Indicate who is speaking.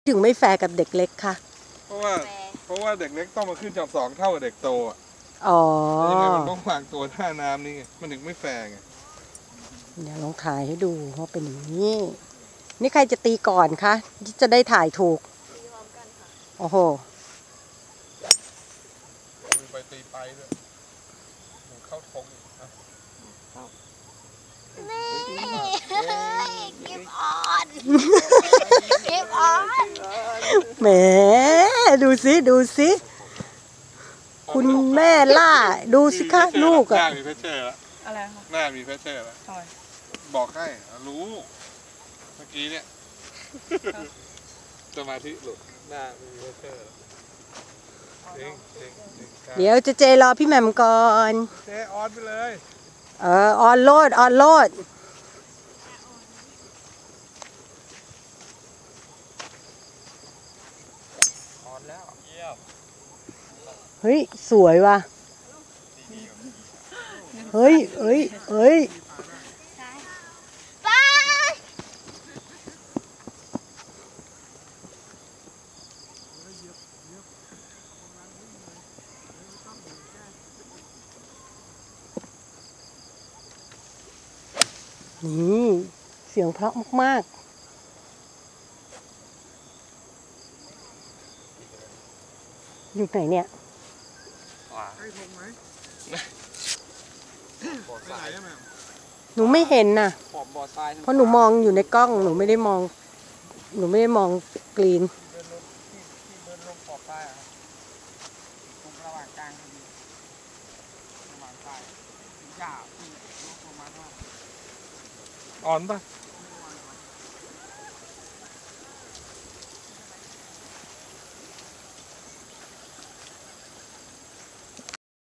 Speaker 1: ถึงไม่แฟร์กับเด็กเล็กค่ะ
Speaker 2: เพราะว่าเด็กเล็กต้องมาขึ้นจอบ2เท่ากับเด็กโตอ่ะ
Speaker 1: อ๋อ
Speaker 2: ยังไงมันต้องวางตัวท่าน้ำนี่ไงมันถึงไม่แฟร์ไง
Speaker 1: เดี๋ยวลองถ่ายให้ดูว่าเป็นอย่างนี้นี่ใครจะตีก่อนคะที่จะได้ถ่ายถูก
Speaker 3: ตีพร้อมกันค่ะ
Speaker 1: โอ้โห
Speaker 2: มือไปตีไปด้วยหนูเข้าทงอีกนะ
Speaker 3: กิฟออนกิฟออน
Speaker 1: แหมดูสิคุณแม่ล่าดูสิคะลูกอะ
Speaker 2: หน้ามีเพชเชอร์แล้ว
Speaker 3: อะไรคะ
Speaker 2: หน้ามีเพชเชอร์แล้วบอกให้รู้เมื่อกี้เนี่ยสมาธิหลุดหน้ามีเพชเชอร์
Speaker 1: เดี๋ยวเจรอพี่แหม่มก่อน
Speaker 2: เจออนไปเลย
Speaker 1: ออนโลด
Speaker 2: แล้วเยี่ยม
Speaker 1: เฮ้ยสวยว่ะเฮ้ยนี่เสียงเพราะมากๆอยู่ไหนเนี่ย
Speaker 2: ให้ทงไหม
Speaker 1: หนูไม่เห็นน่ะเพราะหนูมองอยู่ในกล้องหนูไม่ได้มองกรีน
Speaker 2: อ่อนปะ